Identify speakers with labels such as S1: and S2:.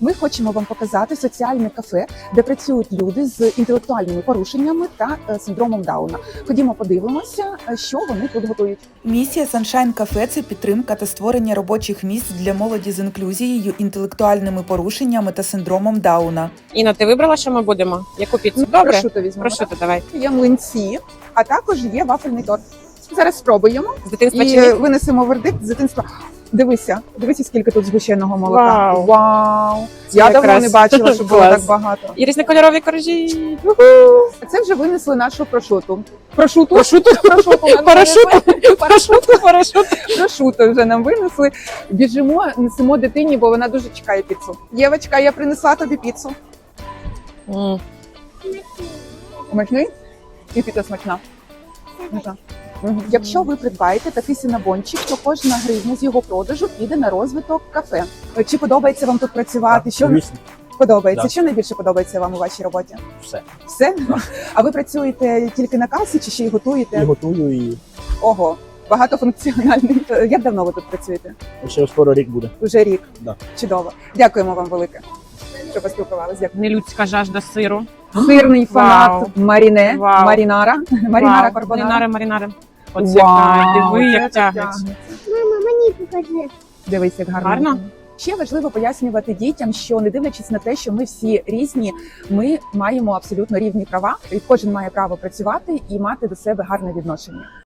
S1: Ми хочемо вам показати соціальне кафе, де працюють люди з інтелектуальними порушеннями та синдромом Дауна. Ходімо, подивимося, що вони тут готують.
S2: Місія Sunshine Cafe – це підтримка та створення робочих місць для молоді з інклюзією, інтелектуальними порушеннями та синдромом Дауна.
S3: Інна, ти вибрала, що ми будемо? Яку піцу? Добре?
S1: Прошуто візьмемо.
S3: Прошуто, давай.
S1: Є млинці, а також є вафельний торт. Зараз спробуємо
S3: З дитинства чи
S1: і
S3: ні?
S1: винесемо вердикт з дитинства. Дивися, скільки тут згущеного молока.
S3: Вау.
S1: Вау!
S3: Це
S1: Я давно
S3: якраз
S1: не бачила, що було
S3: клас.
S1: так багато.
S3: І різнокольорові коржі.
S1: Це вже винесли нашу прошуту. Прошуту?
S3: Прошуту? Парашут.
S1: Прошуту вже нам винесли. Біжимо, несемо дитині, бо вона дуже чекає піцу. Євочка, я принесла тобі піцу. Смачний? І піца смачна. Смачна. Якщо ви придбаєте такий синабончик, то кожна гривня з його продажу піде на розвиток кафе. Чи подобається вам тут працювати? Що
S4: Звісно,
S1: подобається?
S4: Да.
S1: Що найбільше подобається вам у вашій роботі?
S4: все.
S1: Все? А ви працюєте тільки на касі чи ще й готуєте?
S4: І готую, і
S1: Ого, багатофункціональний. Як давно ви тут працюєте?
S4: ще скоро рік буде.
S1: Уже рік.
S4: Да.
S1: Чудово. Дякуємо вам велике, що поспілкувалися. Дякую.
S3: Нелюдська жажда сиру.
S1: Сирний фанат
S3: Вау.
S1: Маріне,
S3: Вау.
S1: Марінара
S3: Вау.
S1: Карбонара.
S3: Маринари. Оце
S1: Вау,
S3: диви,
S1: це
S3: як
S1: так
S3: тягнеться.
S5: Мама, мені покажи.
S1: Дивись, як гарно.
S3: Гарно?
S1: Ще важливо пояснювати дітям, що не дивлячись на те, що ми всі різні, ми маємо абсолютно рівні права, і кожен має право працювати і мати до себе гарне відношення.